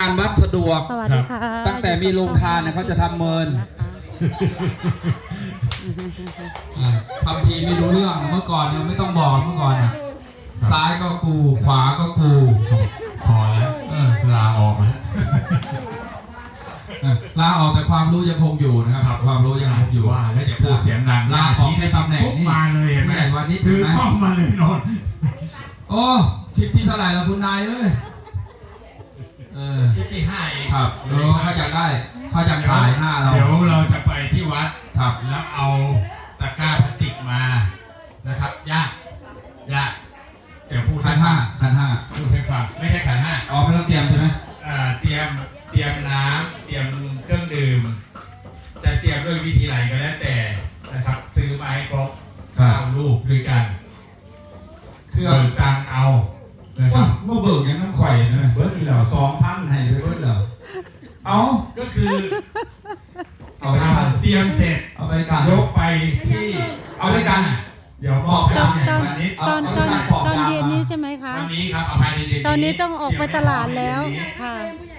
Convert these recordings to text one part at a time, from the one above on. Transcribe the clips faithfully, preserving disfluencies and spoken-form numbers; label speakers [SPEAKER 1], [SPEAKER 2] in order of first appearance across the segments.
[SPEAKER 1] การวัดสะดวก
[SPEAKER 2] สวัสดีค่ะ
[SPEAKER 1] ตั้งแต่มีโรงทานเนี่ยเขาจะทำเมินทำทีไม่รู้เรื่องเมื่อก่อนเนี่ยไม่ต้องบอกเมื่อก่อนซ้ายก็กูขวาก็กู
[SPEAKER 3] พอแล้วลาออกแล้ว
[SPEAKER 1] ลาออกแต่ความรู้ยังคงอยู่นะครับความรู้ยังคงอยู่
[SPEAKER 3] ว่าแล้วจะพูดเสียงดัง
[SPEAKER 1] ลาออกในตำแหน่งนี้
[SPEAKER 3] มาเลยเห็นไหม
[SPEAKER 1] วันนี้
[SPEAKER 3] ถือกล้องมาเลยนนท์
[SPEAKER 1] โอ้คลิปที่เท่าไหร่แล้วคุณนายเอ้ยเออ
[SPEAKER 3] คลิปที่ห้าเอง
[SPEAKER 1] ครับเออเขาอยากได้เขาอยากขายหน้าเรา
[SPEAKER 3] เดี๋ยวเราจะไปที่วัด
[SPEAKER 1] ครับ
[SPEAKER 3] แล้วเอาตะกร้าพลาสติกมานะครับยากยากเดี๋ยวพูด
[SPEAKER 1] ขันห้าขันห้า
[SPEAKER 3] พูดให้ฟังไม่ใช่ขันห้า
[SPEAKER 1] อ๋อไม่ต้องเตรียมใช่ไหม
[SPEAKER 3] อ่าเตรียมเตรียมน้ำเตรียมเครื่องดื่มจะเตรียมด้วยวิธีไหนก็แล้วแต่นะครับซื้อมาให้ครบเอาลูกด้วยกันเครื่องตังเอา
[SPEAKER 1] นะครับเมื่อเบิกยังน้ำข่อยนะเบิร์ดเหล่าสองพันให้ไปเบิร์ดเหล่าเอา
[SPEAKER 3] ก็คือ
[SPEAKER 1] เอาไป
[SPEAKER 3] เตรียมเสร็จ
[SPEAKER 1] เอาไปกัน
[SPEAKER 3] ยกไปที่
[SPEAKER 1] เอาไปกัน
[SPEAKER 3] เดี๋ยวมอบให้วันนี้
[SPEAKER 2] ตอนตอนตอนเย็นนี้ใช่ไหมคะ
[SPEAKER 3] วันนี้ครับเอาภายในเย็น
[SPEAKER 2] ตอนนี้ต้องออกไปตลาดแล้วค่ะ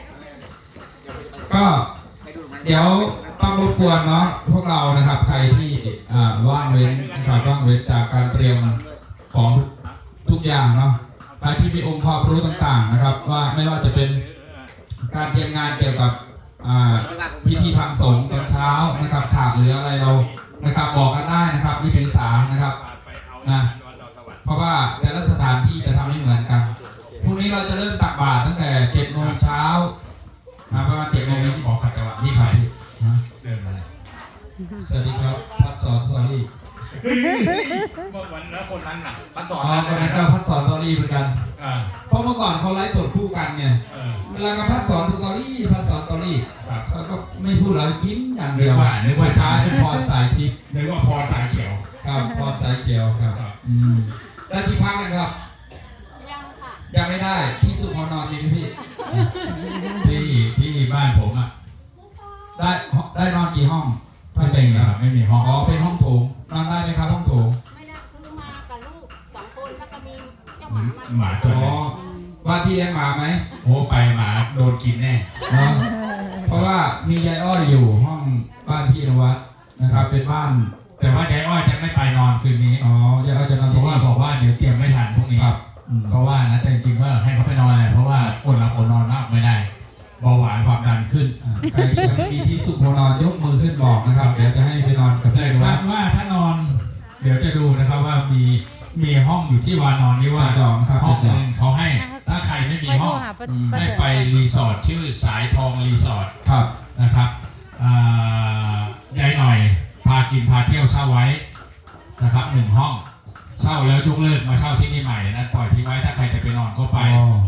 [SPEAKER 1] ก็เดี๋ยวต้องรบกวนเนาะพวกเรานะครับใครที่ว่างเว้นนะครับว่างเว้นจากการเตรียมของทุกอย่างเนาะใครที่มีองค์ความรู้ต่างๆนะครับว่าไม่ว่าจะเป็นการเตรียมงานเกี่ยวกับพิธีทางสงฆ์ตอนเช้านะครับขาดหรืออะไรเรานะครับบอกกันได้นะครับวิธีสารนะครับนะเพราะว่าแต่ละสถานที่จะทำไม่เหมือนกันพรุ่งนี้เราจะเริ่มตักบาตรตั้งแต่เจ็ดโมงเช้าประมาณเจ็ดโมง
[SPEAKER 3] ขอขัดจังหวะนี่ใครเดินมาเลย
[SPEAKER 1] สวัสดีครับพัดสอนสอรี่
[SPEAKER 3] เมื่อวันแล้วคนนั้นน่ะพัดสอน
[SPEAKER 1] อ๋อคนนั้นก็พัดสอนสอรี่เหมือนกันเพราะเมื่อก่อนเขาไลฟ์สดคู่กันไงเวลากับพัดสอนสอรี่พัดสอนสอรี่เขาก็ไม่พูดแล้วยิ้มอย่างเดียวนึกว่าท้ายเป็นพรสายทิพย์
[SPEAKER 3] นึกว่าพรสายเขียว
[SPEAKER 1] ครับพรสายเขียวครับอืมได้ที่พักกันครับยังค่ะยังไม่ได้ที่สุขนอนมีพี่
[SPEAKER 3] ที่ที่บ้านผมอ่ะ
[SPEAKER 1] ได้ได้นอนกี่ห้อง
[SPEAKER 3] ไม่เป็นครับไม่มีห้อง
[SPEAKER 1] อ๋อเป็นห้องโถงนอนได้ไหมครับห้องโถง
[SPEAKER 4] ไม่ได้คือมากับลูกสองคนแล้วก็มีเจ้าหมา
[SPEAKER 3] หมาตัวนึง
[SPEAKER 1] บ้านพี่เลี้ยงหมาไหม
[SPEAKER 3] โอ้ไปหมาโดนกินแน่
[SPEAKER 1] เพราะว่ามียายอ้อยอยู่ห้องบ้านพี่นวัดนะครับเป็นบ้าน
[SPEAKER 3] แต่ว่ายายอ้อยจะไม่ไปนอนคืนนี้
[SPEAKER 1] อ๋อยายอ้อยจะนอน
[SPEAKER 3] เพราะว่าบอกว่าเดี๋ยวเตรียมไม่ทันพรุ่งนี้เพราะว่านะแต่จริงๆว่าให้เขาไปนอนแหละเพราะว่าอดหลับอดนอนมากไม่ได้เบาหวานความดันขึ้น
[SPEAKER 1] ใครมีที่สุขนอนยกมือขึ้นบอกนะครับเดี๋ยวจะให้ไปนอนกับ
[SPEAKER 3] แต่คาดว่าถ้านอนเดี๋ยวจะดูนะครับว่ามีมีห้องอยู่ที่วานอนนี่ว่าห้องนึงเขาให้ถ้าใครไม่มีห้องให้ไปรีสอร์ทชื่อสายทองรีสอร์ทนะครับยายหน่อยพากินพาเที่ยวเช่าไว้นะครับหนึ่งห้องเช่าแล้วยกเลิกมาเช่าที่นี่ใหม่นะปล่อยทิ้งไว้ถ้าใครจะไปนอนก็ไป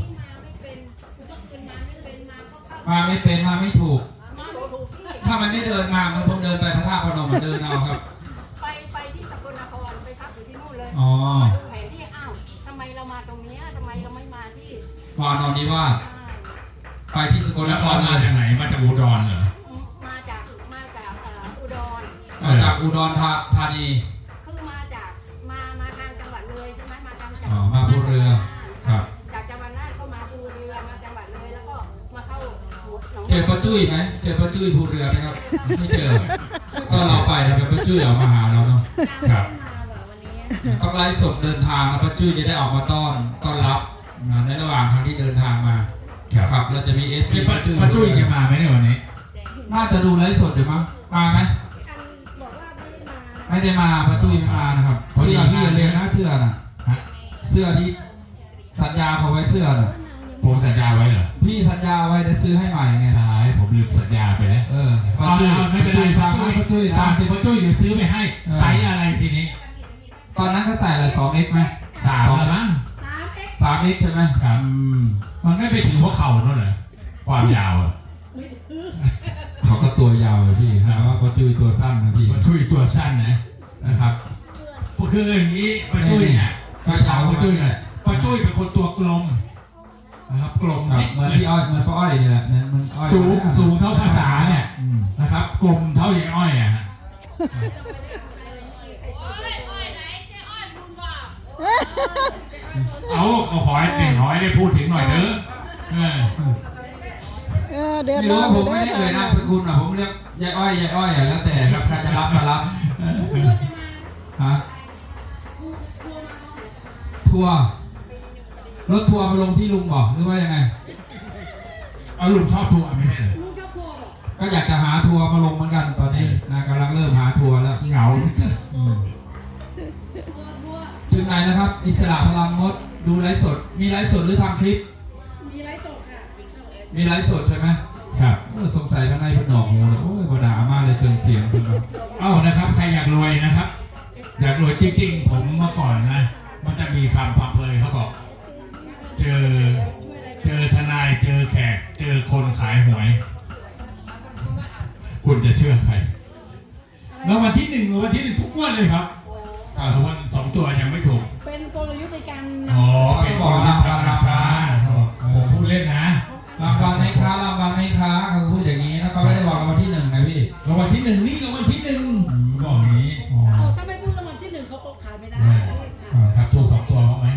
[SPEAKER 1] มาไม่เป็นมาไม่ถูกถ้ามันไม่เดินมามันคงเดินไปพระธาตุพนมมันเดินเอาครับ
[SPEAKER 4] ไปไปที่สกลนครไปพักอยู่ที่นู่นเลย
[SPEAKER 1] อ๋อ
[SPEAKER 4] แผนที่อ้าวทำไมเรามาตรงนี้ทำไมเราไม่มาที่
[SPEAKER 1] วานอนนี้ว่าไปที่สกลนคร
[SPEAKER 3] มาจากไหนมาจากอุดรเหรอ
[SPEAKER 4] มาจากมาจากอุดร
[SPEAKER 1] มาจากอุดรธานี
[SPEAKER 4] คือมาจากมามาทางจังหวัดเลยใช่ไหมมาทางจังหวัด
[SPEAKER 1] อ๋อมาภูเรือครับ
[SPEAKER 4] จากจังหวัดน่านก็มาภูเรือมาจังหวัดเลยแล้วก็มาเข้า
[SPEAKER 1] เจอป้าจุ้ยไหมเจอป้าจุ้ยภูเรือไหมครับไม่เจอก็เราไปแล้วป้าจุ้ยออกมาหาเราเนาะ
[SPEAKER 3] ครับ
[SPEAKER 1] ต้องไล่สดเดินทางแล้วป้าจุ้ยจะได้ออกมาต้อนต้อนรับในระหว่างทางที่เดินทางมาครับเราจะมีเอฟซี
[SPEAKER 3] ป้าจุ้ยป้าจุ้ยจะมาไหมในวันนี้
[SPEAKER 1] น่าจะดูไลฟ์สดเดี๋ยวมั้งมาไหมไม่ได้มาป้าจุ้ยไม่มานะครับเสื้อพี่เรียนนะเสื้อน่ะเสื้อที่สัญญาเขาไว้เสื้อน่ะ
[SPEAKER 3] ผมสัญญาไว้เหรอ
[SPEAKER 1] พี่สัญญาไว้จะซื้อให้ใหม่ไง
[SPEAKER 3] ใช่ผมลืมสัญญาไปแล้ว
[SPEAKER 1] เออ
[SPEAKER 3] ป้าจุ้ยไม่เป็นไรป้าจุ้ยตามที่ป้าจุ้ยเดี๋ยวซื้อไปให้ไซส์อะไรทีนี้
[SPEAKER 1] ตอนนั้นเขาใส่อะไรสองเอ็กซ์ไหม
[SPEAKER 3] สามละมั้ง
[SPEAKER 1] สามเอ็กซ์ใช่ไหม
[SPEAKER 3] ครับมันไม่ไปถึงหัวเข่านั่นเหรอความยาวอ่ะ
[SPEAKER 1] เขาก็ตัวยาวเลยพี่นะว่าป้าจุ้ยตัวสั้นนะพี่
[SPEAKER 3] ป้าจุ้ยตัวสั้นนะนะครับคืออย่างนี้ป้าจุ้ยเนี่ยป้าจุ้ยป้าจุ้ยเนี่ยป้าจุ้ยเป็นคนตัวกลมนะครับกลม
[SPEAKER 1] เหมือนที่อ้อยเหมือนป้าอ้อยนี่แหละ
[SPEAKER 3] สูงสูงเท่าภาษาเนี่ยนะครับกลมเท่าอย่างอ้อยอ่ะเอาขอให้หนึ่งร้อยได้พูดถึงหน่อยเถอะ
[SPEAKER 2] เออเดือด
[SPEAKER 1] ไม่
[SPEAKER 2] ร้
[SPEAKER 1] รู้
[SPEAKER 2] อน
[SPEAKER 1] ว่าผมไม่ได้เอ่ยนามสกุลอ่ะผมเรียกยายอ้อยยายอ้อยอ่ะแล้วแต่ครับใครจะรับมารับฮะทัวร์รถทัวร์มาลงที่ลุงบอกหรือว่ายังไง
[SPEAKER 3] เอาลุงชอบทัวร์ไม่ใช่เหรอ
[SPEAKER 4] ลุงชอบทัวร์บอก
[SPEAKER 1] ก็อยากจะหาทัวร์มาลงเหมือนกันตอนนี้นะกำลังเริ่มหาทัวร์แล้ว
[SPEAKER 3] เหงา
[SPEAKER 1] อืม
[SPEAKER 4] ทัวร์ทัวร์
[SPEAKER 1] ถึงไหนนะครับ อิสระพลังมดดูไลฟ์สด มีไลฟ์สดหรือทำคลิป
[SPEAKER 4] มีไลฟ์สดค่ะ
[SPEAKER 1] มีไลฟ์สดใช่ไหม
[SPEAKER 3] ครับ
[SPEAKER 1] โอ้ยสงสัยข้างในเพิ่นหนอกหูเลยโอ้ยบดามากเลยเชิงเสียงเพิ่นว่า
[SPEAKER 3] เอ้านะครับใครอยากรวยนะครับ อยากรวยจริงๆ ผมเมื่อก่อนนะ มันจะมีคำพังเพยเขาบอก เจอเจอทนายเจอแขก เจอคนขายหวย คุณจะเชื่อใครแล้ววันที่หนึ่งหรือวันที่หนึ่งทุกงวันเลยครับแต่วันสองตัวยังไม่ถูก
[SPEAKER 4] เป็นกลยุทธ์ในการ
[SPEAKER 3] อ๋อเป็นกลยุทธ์ทางการค้าผมพูดเล่นนะ
[SPEAKER 1] รางวัลไหมคะรางวัลไหมคะเขาพูดอย่างนี้นะเขาไม่ได้บอกรางวัลที่หนึ่งนะพี่
[SPEAKER 3] รางวัลที่หนึ่งนี่รางวัลที่หนึ่งบอกอย่างนี้
[SPEAKER 1] อ๋อ
[SPEAKER 4] เอาถ้าไม่พูดรางวัลที่หนึ่งเขาก็ขายไม่ได้
[SPEAKER 3] ครับถูกสองตัวบ้างไหม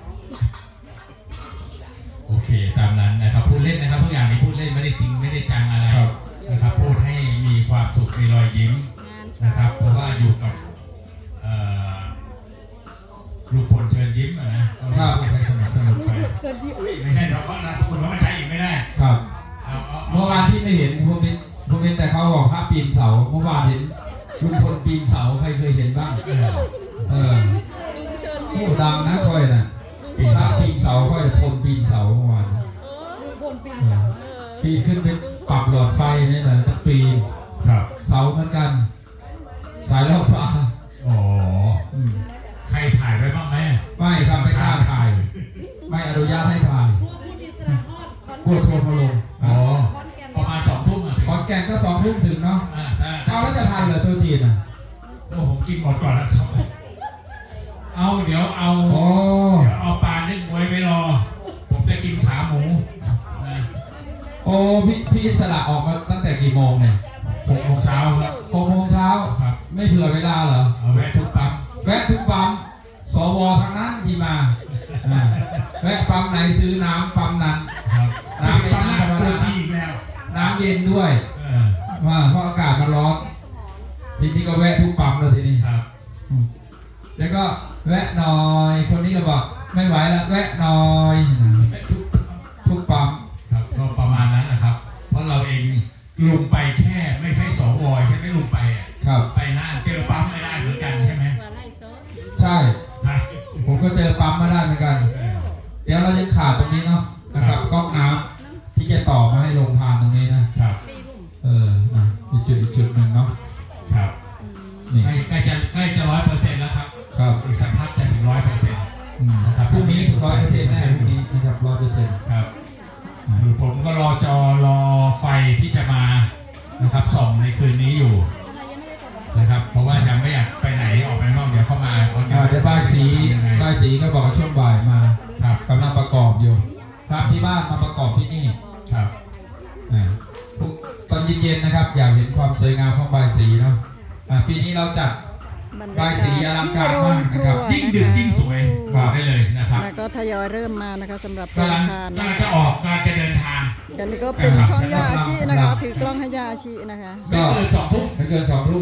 [SPEAKER 3] โอเคตามนั้นนะครับพูดเล่นนะครับทุกอย่างนี้พูดเล่นไม่ได้จริงไม่ได้จังอะไรนะครับพูดให้มีความสุขมีรอยยิ้มนะครับ เพราะว่าอยู่กับเอ่อลูกพลเชิญยิ้มอะนะก็พูดไปสนุกสนุกไป
[SPEAKER 4] เชิญยิ้ม
[SPEAKER 3] ไม่ใช่เราก็นะคุณว่าไม่ใช่อีกไม่ได้
[SPEAKER 1] ครับ
[SPEAKER 3] เอาเอา
[SPEAKER 1] เมื่อวานที่ไม่เห็นผมเห็นผมเห็นแต่เขาบอกภาพปีนเสา เมื่อวานเห็นลุงพลปีนเสาใครเคยเห็นบ้าง
[SPEAKER 3] เออ
[SPEAKER 1] เออ
[SPEAKER 4] เชิญ
[SPEAKER 1] โอ้
[SPEAKER 4] ยิ้ม
[SPEAKER 1] ดังนะค่อยน่ะปีนเสาปีนเสาค่อยพลปีนเสาเมื่อวาน
[SPEAKER 4] เออลุงพลปีนเสาเออ
[SPEAKER 1] ปีนขึ้นเป็นปรับหลอดไฟนี่แหละจะปีน
[SPEAKER 3] ครับ
[SPEAKER 1] เสาเหมือนกัน สายล่อฟ้า
[SPEAKER 3] อ๋อ
[SPEAKER 1] อืม
[SPEAKER 3] ใครถ่ายไว้บ้างไหม
[SPEAKER 1] ไม่ครับไม่กล้าถ่าย ไม่อนุญาตให้ถ่าย
[SPEAKER 4] พวกผู้ดีสระฮอดคอน
[SPEAKER 1] กลัวโทรมาลง
[SPEAKER 3] อ๋อ
[SPEAKER 4] คอนแกน
[SPEAKER 3] ประมาณสองทุ่มอ่ะถึง
[SPEAKER 1] ขอนแก่นก็สองทุ่มถึงเนาะ
[SPEAKER 3] อ่าถ้า
[SPEAKER 1] เอาแล้วจะทันเหรอตัวจีนอ่ะ
[SPEAKER 3] โอ้ผมกินหมดก่อนนะครับ เอาเดี๋ยวเอา
[SPEAKER 1] โอ้
[SPEAKER 3] เดี๋ยวเอาปลานึ่งไว้ไว้รอ ผมจะกินขาหมูนะ
[SPEAKER 1] โอ้พี่พี่สละออกมาตั้งแต่กี่โมงเนี่ย
[SPEAKER 3] หกโมงเช้าครับ
[SPEAKER 1] หกโมงเช้า
[SPEAKER 3] ครับ
[SPEAKER 1] ไม่เผื่อเวลาเหรอ
[SPEAKER 3] เอาแวะทุกปั๊ม
[SPEAKER 1] แวะทุกปั๊มสวทั้งนั้นที่มาอ่าแวะปั๊มไหนซื้อน้ำปั๊มนั้น
[SPEAKER 3] ครับ
[SPEAKER 1] น้ำไม่
[SPEAKER 3] ปั๊ม
[SPEAKER 1] น้ำ
[SPEAKER 3] น้ำตัวจีอีกแล้ว
[SPEAKER 1] น้ำเย็นด้วย
[SPEAKER 3] เออ
[SPEAKER 1] ว่าเพราะอากาศมันร้อนทีนี้ก็แวะทุกปั๊มเลยทีนี้
[SPEAKER 3] ครับ
[SPEAKER 1] อืมแล้วก็แวะหน่อยคนนี้ก็บอกไม่ไหวแล้วแวะหน่อยทุกปั๊ม
[SPEAKER 3] ครับก็ประมาณนั้นนะครับ เพราะเราเองลุงไปแค่ไม่ใช่สวใช่ไหมลุงไปอ่ะ
[SPEAKER 1] ครับ
[SPEAKER 3] ไปน่านเจอปั๊มไม่ได้เหมือนกันใช่ไหม
[SPEAKER 4] ว่าไล่โซ่
[SPEAKER 1] ใช่
[SPEAKER 3] ใช่
[SPEAKER 1] ผมก็เจอปั๊มมาได้เหมือนกัน
[SPEAKER 3] เออ
[SPEAKER 1] เดี๋ยวเรายังขาดตรงนี้เนาะนะครับก๊อกน้ำที่จะต่อมาให้ลงทานตรงนี้นะครับ
[SPEAKER 4] ตีลุ่ม
[SPEAKER 1] เออนะอีกจุดอีกจุดหนึ่งเนาะ
[SPEAKER 3] ครับ
[SPEAKER 1] นี่
[SPEAKER 3] ใกล้ใกล้จะใกล้จะร้อยเปอร์เซ็นต์แล้วครับ
[SPEAKER 1] ครับ
[SPEAKER 3] อีกสักพักจะถึงร้อยเปอร์เซ็นต์
[SPEAKER 1] อืม
[SPEAKER 3] นะครับ
[SPEAKER 1] พรุ่งนี้ร้อยเปอร์เซ็นต์แน่พรุ่งนี้นะครับร้อยเปอร์เซ็นต์
[SPEAKER 3] ครับหรือผมก็รอจอรอไฟที่จะมานะครับส่องในคืนนี้อยู่
[SPEAKER 4] อะไรยังไม่ได้กดไว้
[SPEAKER 3] นะครับ เพราะว่ายังไม่อยากไปไหนออกไปข้างนอกเดี๋ยวเข้ามาตอน
[SPEAKER 1] อ่าเดี๋ยวป้ายสี
[SPEAKER 3] ยังไง
[SPEAKER 1] ป้ายสีก็บอกว่าช่วงบ่ายมา
[SPEAKER 3] ครับ
[SPEAKER 1] กำลังประกอบอยู่ครับที่บ้านมาประกอบที่นี่
[SPEAKER 3] ครับ
[SPEAKER 1] อ่าตอนเย็นๆนะครับ อยากเห็นความสวยงามของใบายสีเนาะอ่าปีนี้เราจัด
[SPEAKER 2] บรร
[SPEAKER 1] ใบ
[SPEAKER 2] ยากาศ
[SPEAKER 1] สีอลังการมากนะครับ
[SPEAKER 2] ที่
[SPEAKER 3] ยิ่ง
[SPEAKER 2] โร
[SPEAKER 3] ดึก
[SPEAKER 2] ครัว
[SPEAKER 3] ยิ่งสวยบอกได้เลยนะครับ
[SPEAKER 2] แล้วก็ทยอยเริ่มมานะคะสำหรับ
[SPEAKER 3] กำลัง
[SPEAKER 2] ทาน
[SPEAKER 3] กำลังจะออกกำลังจะเดินทาง
[SPEAKER 2] กันนี้ก็เป็นช่องยาอาชีนะคะถือกล้องให้ยาอาชีนะคะ
[SPEAKER 3] ไม่เกินสองทุ่ม
[SPEAKER 1] ไม่เกินสองทุ่ม